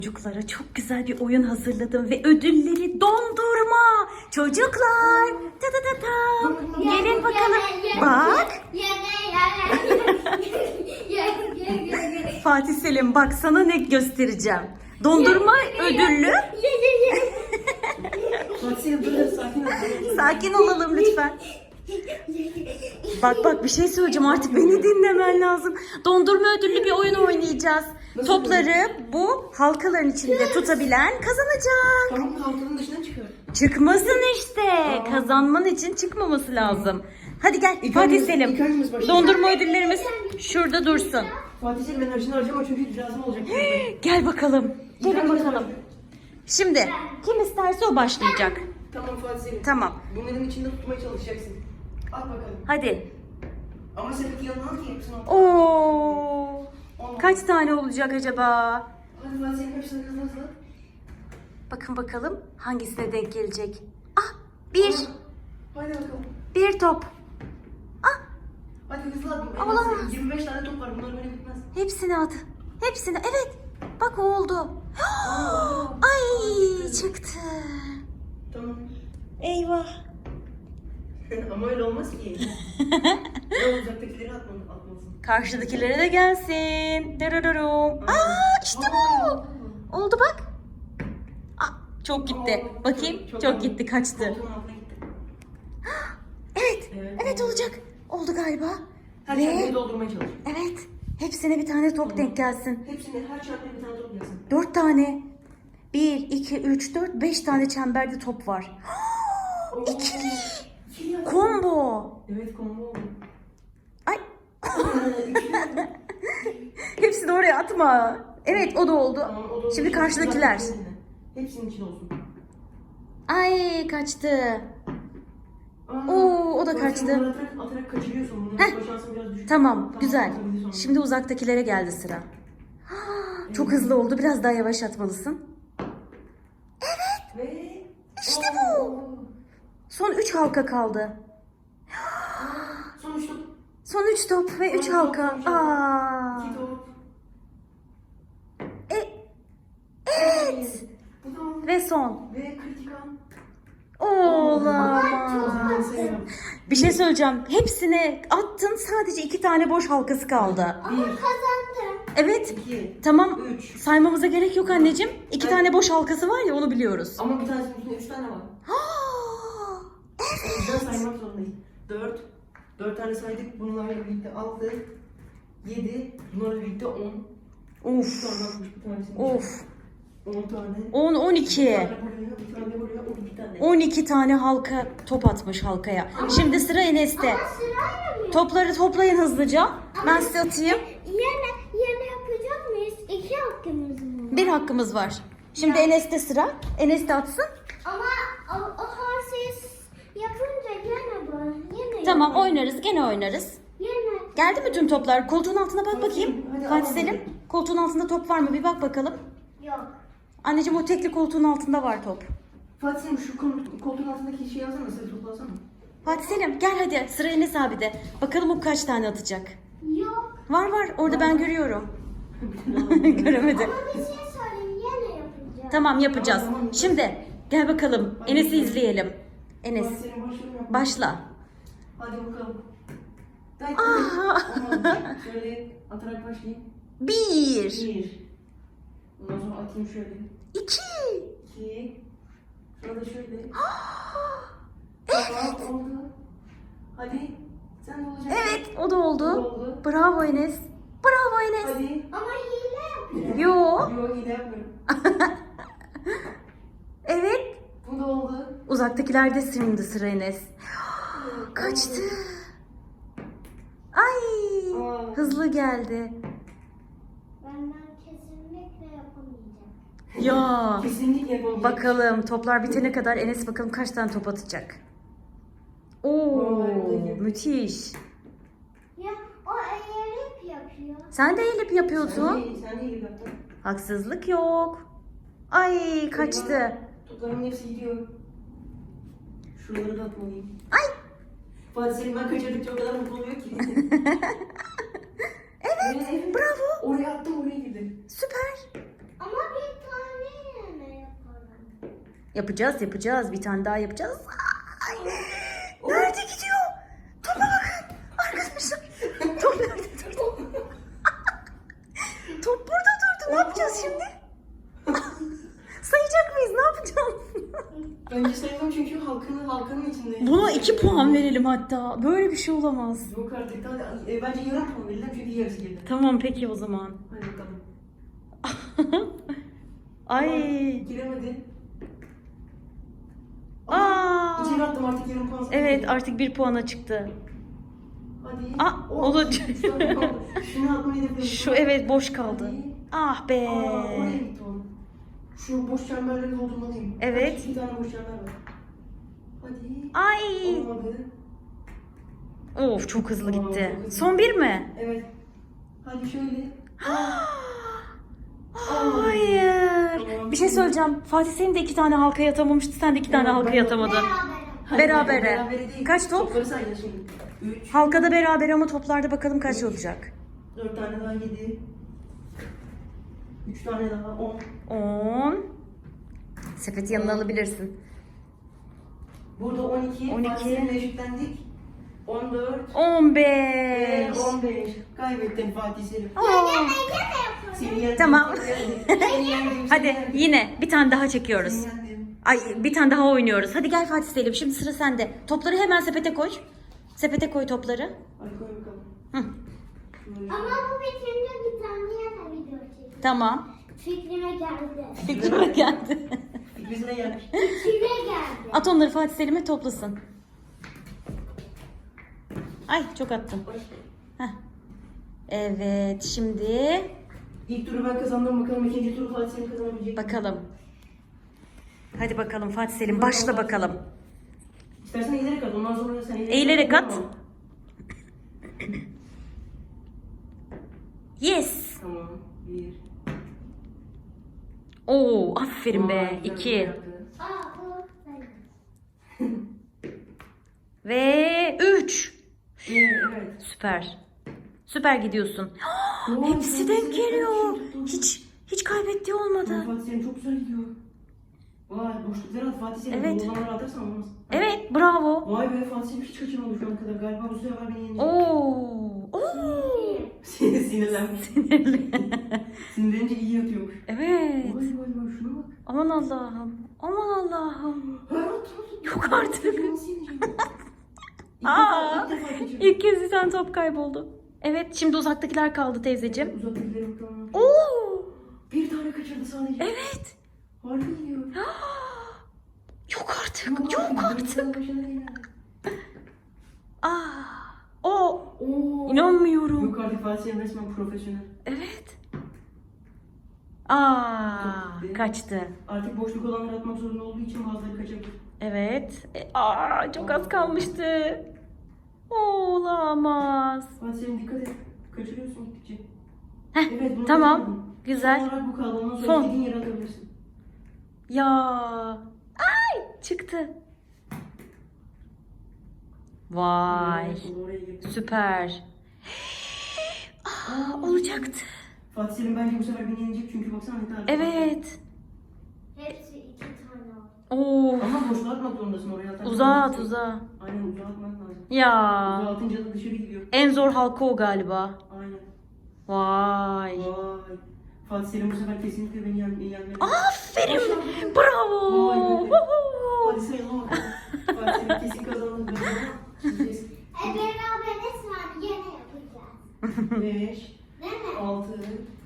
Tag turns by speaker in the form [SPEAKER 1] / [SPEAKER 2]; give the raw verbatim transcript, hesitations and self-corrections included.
[SPEAKER 1] Çocuklara çok güzel bir oyun hazırladım ve ödülleri dondurma. Çocuklar, ta ta ta ta. Gelin bakalım. Bak. Fatih Selim, bak sana ne göstereceğim. Dondurma ödüllü. Sakin olalım lütfen. Bak bak bir şey söyleyeceğim, artık beni dinlemen lazım. Dondurma ödüllü bir oyun oynayacağız. Topları bu halkaların içinde tutabilen kazanacak.
[SPEAKER 2] Tamam, halkanın dışına çıkıyor.
[SPEAKER 1] Çıkmasın işte. Aa. Kazanman için çıkmaması lazım. Hadi gel
[SPEAKER 2] İlk
[SPEAKER 1] Fatih
[SPEAKER 2] hangimiz-
[SPEAKER 1] Selim.
[SPEAKER 2] ilk hangimiz başlayacak?
[SPEAKER 1] Dondurma ödüllerimiz şurada dursun.
[SPEAKER 2] Fatih Selim, ben harcını harcama çünkü lazım olacak.
[SPEAKER 1] Gel bakalım. Gelin
[SPEAKER 2] hangimiz
[SPEAKER 1] bakalım.
[SPEAKER 2] başlıyor?
[SPEAKER 1] Şimdi kim isterse o başlayacak.
[SPEAKER 2] Tamam Fatih Selim.
[SPEAKER 1] Tamam.
[SPEAKER 2] Bunların içinde tutmaya çalışacaksın. Al bakalım.
[SPEAKER 1] Hadi.
[SPEAKER 2] Ama seninki yanına al ki hepsini al.
[SPEAKER 1] Oo.
[SPEAKER 2] Al.
[SPEAKER 1] Kaç tane olacak acaba?
[SPEAKER 2] Hadi Fatih Selim, hepsini hızlı hızlı.
[SPEAKER 1] Bakın bakalım hangisine denk gelecek. Ah, bir.
[SPEAKER 2] Hadi bakalım.
[SPEAKER 1] Bir top. Ah,
[SPEAKER 2] Hadi hızlı at. En
[SPEAKER 1] Olamaz.
[SPEAKER 2] az yirmi beş tane top var. Bunlar böyle bitmez.
[SPEAKER 1] hepsini at. Hepsini. Evet. Bak oldu.
[SPEAKER 2] Aa.
[SPEAKER 1] Ay, çıktı.
[SPEAKER 2] Tamam.
[SPEAKER 1] Eyvah.
[SPEAKER 2] Ama öyle olmaz ki. Ya uzaktakileri atmalısın. atmalısın.
[SPEAKER 1] Karşıdakilere de gelsin. Dararurum. Aa, işte bu. Oldu bak. Ah, çok gitti.
[SPEAKER 2] Aa,
[SPEAKER 1] Bakayım.
[SPEAKER 2] çok-
[SPEAKER 1] Çok,
[SPEAKER 2] çok
[SPEAKER 1] gitti. Kaçtı.
[SPEAKER 2] Koltuğun altına gitti.
[SPEAKER 1] Evet.
[SPEAKER 2] Evet.
[SPEAKER 1] Evet olacak. Oldu galiba.
[SPEAKER 2] Her
[SPEAKER 1] Ve
[SPEAKER 2] çantayı doldurmaya çalış.
[SPEAKER 1] evet. Hepsine bir tane top denk gelsin.
[SPEAKER 2] Hepsinde her çantaya bir tane top yazsın.
[SPEAKER 1] Dört tane. Bir, iki, üç, dört, beş tane çemberde top var. İkili.
[SPEAKER 2] İkili yazsın.
[SPEAKER 1] Combo.
[SPEAKER 2] Evet, combo oldu.
[SPEAKER 1] Ay. Hepsini oraya atma. Evet o da oldu.
[SPEAKER 2] Tamam, o da
[SPEAKER 1] Şimdi
[SPEAKER 2] oldu.
[SPEAKER 1] karşıdakiler.
[SPEAKER 2] Hepsinin- Hepsinin için olsun.
[SPEAKER 1] Ay kaçtı.
[SPEAKER 2] Aa,
[SPEAKER 1] Oo, o da
[SPEAKER 2] bak
[SPEAKER 1] kaçtı.
[SPEAKER 2] sen bunları atarak, atarak kaçırıyorsun. Bunun
[SPEAKER 1] Heh.
[SPEAKER 2] tutma şansın biraz düşük.
[SPEAKER 1] Tamam, güzel.
[SPEAKER 2] atabiliriz onu.
[SPEAKER 1] Şimdi uzaktakilere geldi sıra. Çok hızlı oldu. Biraz daha yavaş atmalısın.
[SPEAKER 2] Ve...
[SPEAKER 1] İşte
[SPEAKER 2] Oo.
[SPEAKER 1] bu. Son üç halka kaldı.
[SPEAKER 2] Son üç top.
[SPEAKER 1] Son üç top ve üç
[SPEAKER 2] Son
[SPEAKER 1] halka.
[SPEAKER 2] top, son
[SPEAKER 1] Aa.
[SPEAKER 2] İki top.
[SPEAKER 1] E, evet.
[SPEAKER 2] Bu da oldu.
[SPEAKER 1] Ve son.
[SPEAKER 2] Ve kritik an.
[SPEAKER 1] Olamaz.
[SPEAKER 2] Ben sevmiyorum.
[SPEAKER 1] Bir şey söyleyeceğim. Hepsine attın. Sadece iki tane boş halkası kaldı.
[SPEAKER 2] Bir,
[SPEAKER 1] Evet.
[SPEAKER 2] iki,
[SPEAKER 1] Tamam.
[SPEAKER 2] üç.
[SPEAKER 1] Saymamıza gerek yok anneciğim. İki
[SPEAKER 2] Evet.
[SPEAKER 1] tane boş halkası var ya, onu biliyoruz.
[SPEAKER 2] Ama bir tanesinin üstünde üç tane var.
[SPEAKER 1] Aa,
[SPEAKER 2] O yüzden saymak zorundayız. Dört. Dört tane saydık. Bunlarla birlikte altı. Yedi. Bunlarla birlikte on.
[SPEAKER 1] Of.
[SPEAKER 2] Sonra atmış bir tanesini.
[SPEAKER 1] Of.
[SPEAKER 2] On tane.
[SPEAKER 1] on, on
[SPEAKER 2] Bir
[SPEAKER 1] iki.
[SPEAKER 2] tane buraya, bir tane buraya, on iki tane.
[SPEAKER 1] on iki tane halka top atmış halkaya. Şimdi sıra Enes'te. Topları toplayın hızlıca. Ben size atayım.
[SPEAKER 3] Yine, yine yapacak mıyız? İki hakkımız mı?
[SPEAKER 1] Bir hakkımız var. Şimdi Enes'te sıra. Enes de atsın.
[SPEAKER 3] Ama o, o harsiz yapınca yine bu. Yine
[SPEAKER 1] Tamam,
[SPEAKER 3] yapalım.
[SPEAKER 1] oynarız. Gene oynarız.
[SPEAKER 3] Yine.
[SPEAKER 1] Geldi mi tüm toplar? Koltuğun altına bak bakayım.
[SPEAKER 2] Hadi,
[SPEAKER 1] Fatih
[SPEAKER 2] al.
[SPEAKER 1] Selim. Koltuğun altında top var mı? Bir bak bakalım.
[SPEAKER 3] Yok.
[SPEAKER 1] Anneciğim o tekli koltuğun altında var top.
[SPEAKER 2] Fatih Selim, şu kol- koltuğun altındaki şeyi alsana, sayı toplasana.
[SPEAKER 1] Fatih Selim gel hadi. Sıra Enes abi de. Bakalım o kaç tane atacak.
[SPEAKER 3] Yok.
[SPEAKER 1] Var var. Orada ben görüyorum. Göremedi.
[SPEAKER 3] Ama bir şey söyleyeyim. Yine yapacağım.
[SPEAKER 1] Tamam yapacağız.
[SPEAKER 2] Tamam, tamam.
[SPEAKER 1] Şimdi gel bakalım. Enes'i izleyelim. Enes
[SPEAKER 2] Fatih Selim, başlıyorum yapma.
[SPEAKER 1] başla.
[SPEAKER 2] Hadi bakalım. Hadi.
[SPEAKER 1] Aa.
[SPEAKER 2] Olmadı. Şöyle atarak başlayayım.
[SPEAKER 1] Bir.
[SPEAKER 2] Bir. Ondan sonra atayım şöyle.
[SPEAKER 1] İki.
[SPEAKER 2] İki. Şurada şöyle. Tamam, oldu. Hadi. Sen de olacaksın.
[SPEAKER 1] Evet o da oldu.
[SPEAKER 2] Oldu.
[SPEAKER 1] Bravo Enes. Bravo Enes.
[SPEAKER 2] Hadi.
[SPEAKER 3] Ama hile yapacağım.
[SPEAKER 1] Yo.
[SPEAKER 2] Yok, yine yapmıyorum.
[SPEAKER 1] Evet.
[SPEAKER 2] Bu da oldu.
[SPEAKER 1] Uzaktakilerde şimdi sıra Enes. Kaçtı. Ay.
[SPEAKER 2] Aa.
[SPEAKER 1] Hızlı geldi.
[SPEAKER 3] Ben, ben kesinlikle yapamayacağım.
[SPEAKER 1] Ya.
[SPEAKER 2] Kesinlikle yapamayacağım.
[SPEAKER 1] Bakalım toplar bitene kadar Enes bakalım kaç tane top atacak. Oo,
[SPEAKER 2] Vay.
[SPEAKER 1] müthiş.
[SPEAKER 3] Ya o eğerip yapıyor.
[SPEAKER 1] Sen de elip
[SPEAKER 2] Sen
[SPEAKER 1] yapıyorsun.
[SPEAKER 2] de, sen de iyi yaptın.
[SPEAKER 1] Haksızlık yok. Ay kaçtı.
[SPEAKER 2] Toplarımın hepsi gidiyor. Şuraları da atmalıyım.
[SPEAKER 1] Ay.
[SPEAKER 2] Fatih Selim, ben kaçırdıkça o kadar mutlu oluyor ki.
[SPEAKER 1] Evet, bravo.
[SPEAKER 2] Oraya attım, oraya girdi.
[SPEAKER 1] Süper.
[SPEAKER 3] Ama bir
[SPEAKER 1] Yapacağız yapacağız. Bir tane daha yapacağız. Ay, nerede gidiyor? Topa bakın. Arkadaşlar. Top nerede durdu? Top burada durdu. Ne yapacağız şimdi? Sayacak mıyız? Ne yapacağız?
[SPEAKER 2] Bence sayalım çünkü halkanın halkanın içindeyiz.
[SPEAKER 1] Buna iki puan verelim hatta. Böyle bir şey olamaz.
[SPEAKER 2] Yok artık. Hadi, e, bence yarım puan verelim çünkü yarısı girdi.
[SPEAKER 1] Tamam peki o zaman.
[SPEAKER 2] Hadi bakalım.
[SPEAKER 1] Ay.
[SPEAKER 2] Giremedi.
[SPEAKER 1] Aa.
[SPEAKER 2] İçeri attım artık yarım puan.
[SPEAKER 1] Evet artık bir puana çıktı.
[SPEAKER 2] Hadi.
[SPEAKER 1] Aa,
[SPEAKER 2] Oh,
[SPEAKER 1] olacak.
[SPEAKER 2] Şunu atmayı da
[SPEAKER 1] Şu evet boş kaldı.
[SPEAKER 2] Hadi.
[SPEAKER 1] Ah be.
[SPEAKER 2] Aa, oraya gitti o. Şu boş çemberleri doldurmalıyım.
[SPEAKER 1] Evet.
[SPEAKER 2] Kaç, iki tane boş çember var. Hadi.
[SPEAKER 1] Ay.
[SPEAKER 2] Olmadı.
[SPEAKER 1] Of çok hızlı
[SPEAKER 2] Aa,
[SPEAKER 1] gitti.
[SPEAKER 2] çok hızlı.
[SPEAKER 1] Son bir mi?
[SPEAKER 2] Evet. Hadi şöyle.
[SPEAKER 1] Hayır.
[SPEAKER 2] Tamam.
[SPEAKER 1] Bir şey söyleyeceğim. Fatih senin de iki tane halkaya atamamıştı. Sen de iki tane
[SPEAKER 2] Evet,
[SPEAKER 1] halkaya
[SPEAKER 2] ben de-
[SPEAKER 1] atamadın.
[SPEAKER 3] Beraber.
[SPEAKER 1] Berabere.
[SPEAKER 2] Berabere değil.
[SPEAKER 1] Kaç top?
[SPEAKER 2] Topları sayacağız şimdi. Üç.
[SPEAKER 1] Halkada beraber ama toplarda bakalım kaç olacak.
[SPEAKER 2] Dört tane daha yedi. Üç tane daha on.
[SPEAKER 1] on. Sepeti yanına alabilirsin.
[SPEAKER 2] Burada on iki.
[SPEAKER 1] on iki.
[SPEAKER 2] Fatih'le eşitlendik. on dört.
[SPEAKER 1] on
[SPEAKER 2] Ve
[SPEAKER 1] beş.
[SPEAKER 2] on beş. Kaybettim Fatih Selim.
[SPEAKER 1] Aa.
[SPEAKER 2] Seni yendim.
[SPEAKER 1] Tamam.
[SPEAKER 2] Seni yendim. Seni
[SPEAKER 1] Hadi
[SPEAKER 2] yendim.
[SPEAKER 1] yine bir tane daha çekiyoruz.
[SPEAKER 2] Seni yendim.
[SPEAKER 1] Ay bir tane daha oynuyoruz. Hadi gel Fatih Selim. Şimdi sıra sende. Topları hemen sepete koy. Sepete koy topları.
[SPEAKER 2] Hadi koy bakalım.
[SPEAKER 1] Hı.
[SPEAKER 2] Şöyle.
[SPEAKER 3] Ama bu bitince bir tane yana video çekeceğim.
[SPEAKER 1] Tamam.
[SPEAKER 3] Fikrime geldi.
[SPEAKER 1] Fikrime geldi.
[SPEAKER 2] Fikrimize gelmiş.
[SPEAKER 3] Fikrime geldi.
[SPEAKER 1] At onları Fatih Selim'e toplasın. Ay çok attım. Heh. Evet şimdi
[SPEAKER 2] İlk turu ben kazandım bakalım. İkinci turu Fatih Selim kazanabilecek. mi?
[SPEAKER 1] bakalım. Hadi bakalım Fatih Selim başla bakalım.
[SPEAKER 2] İstersen eğilerek at. Ondan sonra sen eğilerek,
[SPEAKER 1] Eğilerek at.
[SPEAKER 2] Tamam.
[SPEAKER 1] Yes.
[SPEAKER 2] Tamam. Bir.
[SPEAKER 1] Oo aferin
[SPEAKER 2] Vay,
[SPEAKER 1] be.
[SPEAKER 2] güzel
[SPEAKER 1] İki.
[SPEAKER 2] yaptı.
[SPEAKER 3] Aa bu benim.
[SPEAKER 1] Ve üç.
[SPEAKER 2] Ee, evet.
[SPEAKER 1] Süper. Süper gidiyorsun.
[SPEAKER 2] Vay,
[SPEAKER 1] Hepsi
[SPEAKER 2] Fatih
[SPEAKER 1] denk
[SPEAKER 2] Selim
[SPEAKER 1] geliyor.
[SPEAKER 2] çok iyi tuttu.
[SPEAKER 1] Hiç hiç kaybettiği olmadı.
[SPEAKER 2] Fatih Selim çok güzel gidiyor. Vay boşlukları at Fatih Selim.
[SPEAKER 1] Evet.
[SPEAKER 2] Dolanları atarsan olmaz.
[SPEAKER 1] Evet bravo.
[SPEAKER 2] Vay be Fatih Selim hiç kaçırmadı şu ana kadar. Galiba bu sefer beni yenecek.
[SPEAKER 1] Oo. Oo.
[SPEAKER 2] Sinirlenmiş. Sinirlenince iyi yatıyormuş.
[SPEAKER 1] Evet.
[SPEAKER 2] Vay vay vay şuna bak.
[SPEAKER 1] Aman Allah'ım. Aman Allah'ım.
[SPEAKER 2] Her at at.
[SPEAKER 1] Yok artık.
[SPEAKER 2] Nasıl yeneceğim? İlk
[SPEAKER 1] Aa,
[SPEAKER 2] defa, ilk defa kaçırdım.
[SPEAKER 1] İlk kez bir tane top kayboldu. Evet şimdi uzaktakiler kaldı teyzeciğim.
[SPEAKER 2] Uzaktakileri bakalım.
[SPEAKER 1] Oo.
[SPEAKER 2] Bir tane kaçırdı sadece.
[SPEAKER 1] Evet.
[SPEAKER 2] Harbi gidiyor.
[SPEAKER 1] Yok artık.
[SPEAKER 2] Yok
[SPEAKER 1] Yok
[SPEAKER 2] artık.
[SPEAKER 1] artık.
[SPEAKER 2] Başına değil.
[SPEAKER 1] Aa. O.
[SPEAKER 2] Oo.
[SPEAKER 1] İnanmıyorum.
[SPEAKER 2] Yok artık Fatih Selim resmen profesyonel.
[SPEAKER 1] Evet. Aa, kaçtı.
[SPEAKER 2] Artık boşluk olanları atmak zorunda olduğu için bazıları kaçabilir.
[SPEAKER 1] Evet. E, aa, çok az kalmıştı. Olamaz.
[SPEAKER 2] Fatih Selim dikkat et. Kaçırıyorsun gittikçe.
[SPEAKER 1] Heh,
[SPEAKER 2] Evet, bunu
[SPEAKER 1] tamam.
[SPEAKER 2] kaçırmadın.
[SPEAKER 1] Güzel.
[SPEAKER 2] Son olarak bu kaldı. Ondan sonra
[SPEAKER 1] Son.
[SPEAKER 2] istediğin yere atabilirsin.
[SPEAKER 1] Ya. Ay çıktı. Vay.
[SPEAKER 2] Evet, onu oraya getir.
[SPEAKER 1] Süper. Aa, olacaktı.
[SPEAKER 2] Fatih Selim bence bu sefer beni yenecek çünkü baksana ne kadar.
[SPEAKER 1] Evet.
[SPEAKER 3] Hepsi iki tane oldu.
[SPEAKER 1] Oo.
[SPEAKER 2] Ama boşluğa atmak zorundasın oraya atarsan.
[SPEAKER 1] Uzağa at uzağa.
[SPEAKER 2] Aynen uzağa atmak lazım.
[SPEAKER 1] Ya.
[SPEAKER 2] Uzağa atınca da dışarı gidiyor.
[SPEAKER 1] En zor halka o galiba.
[SPEAKER 2] Aynen.
[SPEAKER 1] Vay.
[SPEAKER 2] Vay. Fatih Selim bu sefer kesinlikle beni yen yenmeli.
[SPEAKER 1] Aferin. Bravo.
[SPEAKER 2] Vay be.
[SPEAKER 1] Huhu.
[SPEAKER 2] Hadi sayalım bakalım. Fatih Selim kesin kazandı. Kesin.
[SPEAKER 3] E beraber resmen yine yapacağız.
[SPEAKER 2] Beş,
[SPEAKER 3] Değil mi?
[SPEAKER 2] altı,